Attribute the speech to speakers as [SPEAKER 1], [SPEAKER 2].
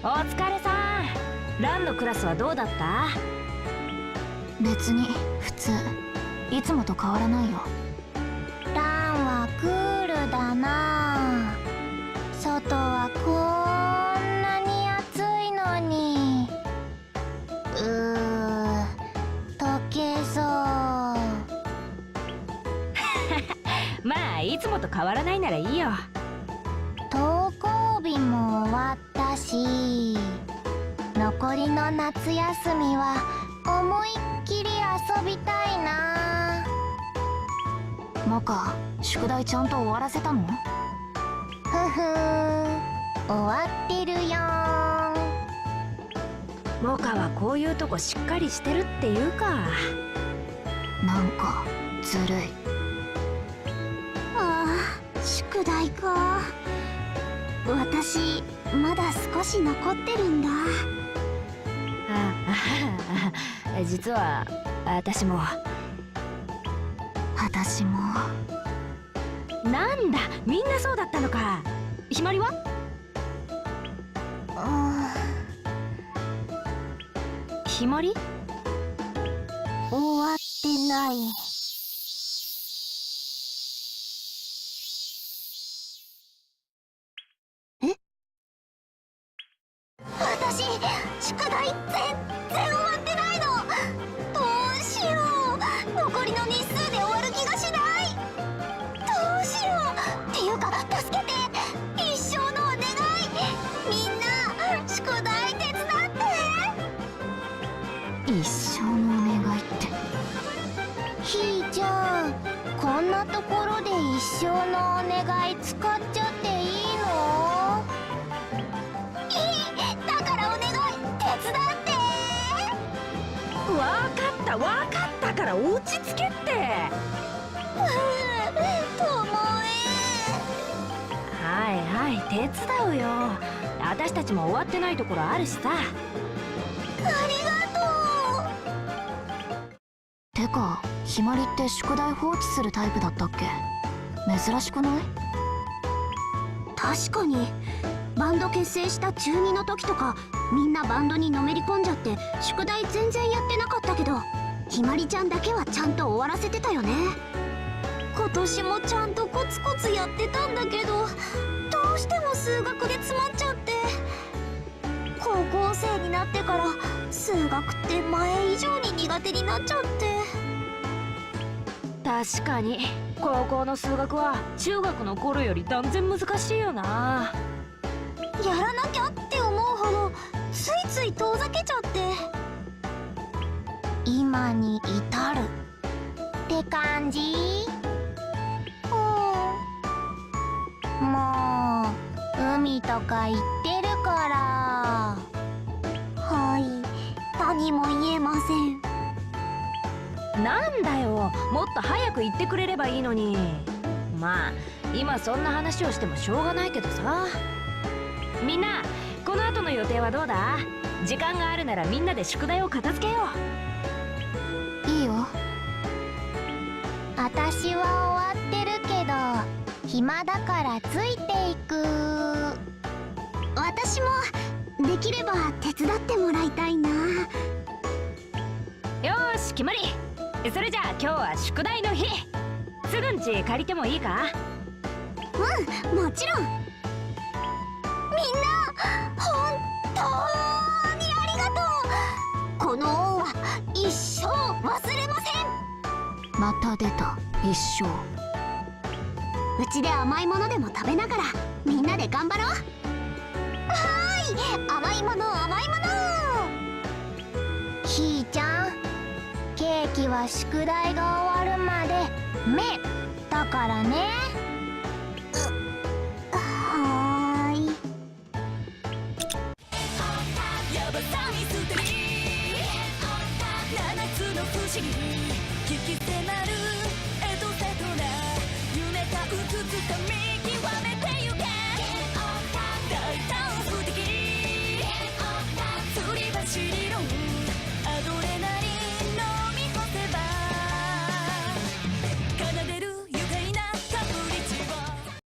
[SPEAKER 1] お疲れさん。ランのクラスはどうだった？
[SPEAKER 2] 別に普通。いつもと変わらないよ。
[SPEAKER 3] ランはクールだな。外はこんなに暑いのに。溶けそう。
[SPEAKER 1] まあいつもと変わらないならいいよ。
[SPEAKER 3] 登校日も終わったし、残りの夏休みは思いっきり遊びたいな。
[SPEAKER 2] モカ、宿題ちゃんと終わらせたの？
[SPEAKER 3] ふふん、終わってるよーん。
[SPEAKER 1] モカはこういうとこしっかりしてるっていうか。
[SPEAKER 2] なんかずるい。
[SPEAKER 3] 宿題か。私まだ少し残ってるんだ。
[SPEAKER 1] 実は私も。なんだ、みんなそうだったのか。ひまりは？ひまり？
[SPEAKER 3] 終わってない。私、宿題全然終わってないの。どうしよう。残りの日数で終わる気がしない。どうしよう。っていうか、助けて。一生のお願い。みんな、宿題手伝って。
[SPEAKER 2] 一生のお願いって。
[SPEAKER 3] ひーちゃん、こんなところで一生のお願い使っちゃっていいの？だからお願い、手伝って。
[SPEAKER 1] わかったから落ち着けって。
[SPEAKER 3] とも
[SPEAKER 1] はい手伝うよ。私たちも終わってないところあるしさ。
[SPEAKER 3] ありがとう。
[SPEAKER 2] てか、ひまりって宿題放置するタイプだったっけ？珍しくない？
[SPEAKER 3] 確かにバンド結成した中2の時とか、みんなバンドにのめり込んじゃって宿題全然やってなかったけど、ひまりちゃんだけはちゃんと終わらせてたよね。今年もちゃんとコツコツやってたんだけど、どうしても数学で詰まっちゃって。高校生になってから数学って前以上に苦手になっちゃって。
[SPEAKER 1] 確かに高校の数学は中学の頃より断然難しいよな。
[SPEAKER 3] やらなきゃって思うほどついつい遠ざけちゃって、今に至るって感じ。もう海とか行ってるから。はい、何も言えません。
[SPEAKER 1] なんだよ、もっと早く言ってくれればいいのに。まあ今そんな話をしてもしょうがないけどさ。みんな、この後の予定はどうだ？時間があるならみんなで宿題を片付けよ
[SPEAKER 2] いいよ。
[SPEAKER 3] 私は終わってるけど暇だからついていく。私もできれば手伝ってもらいたいな。
[SPEAKER 1] う。よーし決まり。それじゃあ今日は宿題の日。すぐんち借りてもいいか？
[SPEAKER 3] もちろん。みんな本当にありがとう。この恩は一生忘れません。
[SPEAKER 2] また出た、一生。
[SPEAKER 3] うちで甘いものでも食べながらみんなで頑張ろう。はーい、甘いもの。ひーちゃん、ケーキは宿題が終わるまで目だからね。はーい。
[SPEAKER 4] やばさミステリー7つの不思議聞き迫る